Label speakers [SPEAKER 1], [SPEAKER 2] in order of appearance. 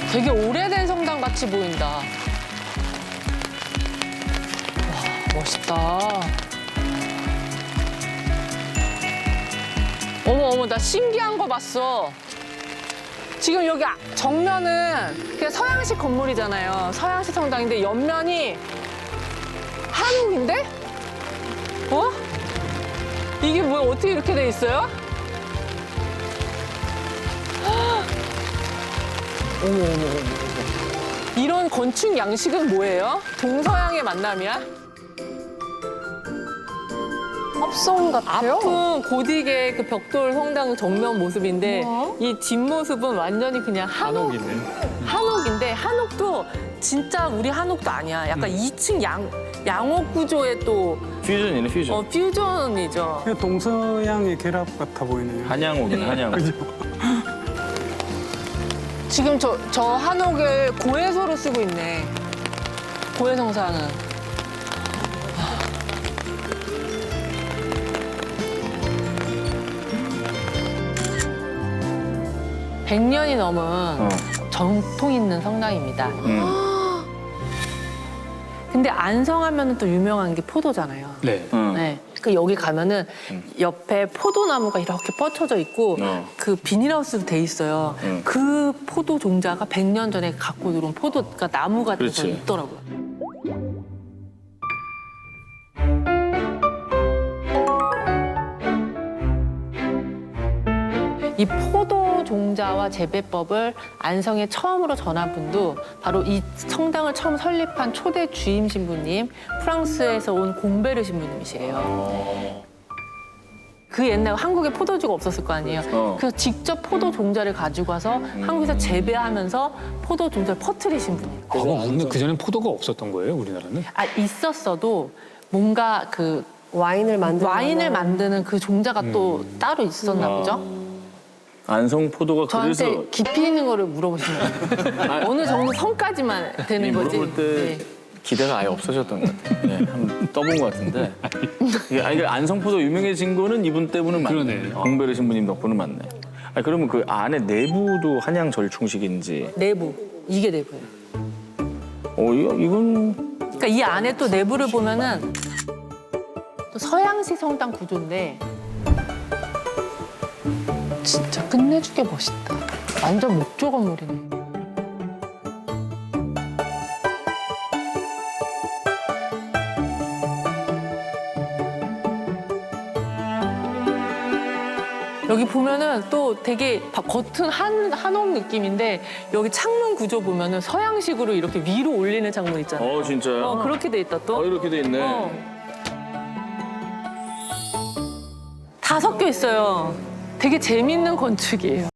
[SPEAKER 1] 되게 오래된 성당 같이 보인다. 와, 멋있다. 어머, 나 신기한 거 봤어. 지금 여기 정면은 그냥 서양식 건물이잖아요. 서양식 성당인데 옆면이 한옥인데? 어? 이게 뭐야? 어떻게 이렇게 돼 있어요? 어머. 이런 건축 양식은 뭐예요? 동서양의 만남이야?
[SPEAKER 2] 합성 같아요?
[SPEAKER 1] 앞은 고딕의 그 벽돌 성당 정면 모습인데
[SPEAKER 2] 우와.
[SPEAKER 1] 이 뒷모습은 완전히 그냥
[SPEAKER 3] 한옥이네.
[SPEAKER 1] 한옥인데 한옥도 진짜 우리 한옥도 아니야. 약간 2층 양옥 구조의 또
[SPEAKER 4] 퓨전이네, 퓨전.
[SPEAKER 1] 퓨전이죠.
[SPEAKER 3] 그냥 동서양의 결합 같아 보이네요.
[SPEAKER 4] 한양옥이네, 한양옥.
[SPEAKER 3] 그죠?
[SPEAKER 1] 지금 저 한옥을 고해소로 쓰고 있네. 고해성사는. 100년이 넘은 전통 있는 성당입니다. 근데 안성하면 또 유명한 게 포도잖아요.
[SPEAKER 3] 네.
[SPEAKER 1] 네. 그 여기 가면은 옆에 포도나무가 이렇게 뻗쳐져 있고 그 비닐하우스로 돼 있어요. 그 포도 종자가 100년 전에 갖고 들어온 포도, 그러니까 나무가 돼서
[SPEAKER 4] 그렇지.
[SPEAKER 1] 있더라고요. 이 포도 종자와 재배법을 안성에 처음으로 전한 분도 바로 이 성당을 처음 설립한 초대 주임 신부님, 프랑스에서 온 공베르 신부님이시래요. 그 옛날 한국에 포도주가 없었을 거 아니에요. 그래서 직접 포도 종자를 가지고 와서 한국에서 재배하면서 포도 종자를 퍼뜨리신 분이에요.
[SPEAKER 3] 근데 그전엔 포도가 없었던 거예요, 우리나라는?
[SPEAKER 1] 아, 있었어도 뭔가 그
[SPEAKER 2] 와인을
[SPEAKER 1] 만드는 그 종자가 또 따로 있었나 보죠.
[SPEAKER 4] 안성 포도가
[SPEAKER 1] 저한테
[SPEAKER 4] 그래서
[SPEAKER 1] 깊이 있는 거를 물어보시는 거예요. 어느 정도 선까지만 되는 거지.
[SPEAKER 4] 물어볼 때
[SPEAKER 1] 네.
[SPEAKER 4] 기대가 아예 없어졌던 것 같아요. 네, 한번 떠본 것 같은데. 이게 안성 포도 유명해진 거는 이분 때문은 맞네.
[SPEAKER 3] 그러네.
[SPEAKER 4] 공베르 신부님 덕분은 맞네. 아니, 그러면 그 안에 내부도 한양 절충식인지.
[SPEAKER 1] 내부. 이게 내부예요.
[SPEAKER 4] 이건
[SPEAKER 1] 그러니까 이 안에 또 내부를 보면은 또 서양식 성당 구조인데 진짜 끝내주게 멋있다. 완전 목조 건물이네. 여기 보면은 또 되게 겉은 한옥 느낌인데 여기 창문 구조 보면은 서양식으로 이렇게 위로 올리는 창문 있잖아요.
[SPEAKER 4] 진짜요?
[SPEAKER 1] 그렇게 돼 있다 또.
[SPEAKER 4] 이렇게 돼 있네.
[SPEAKER 1] 다 섞여 있어요. 되게 재밌는 건축이에요.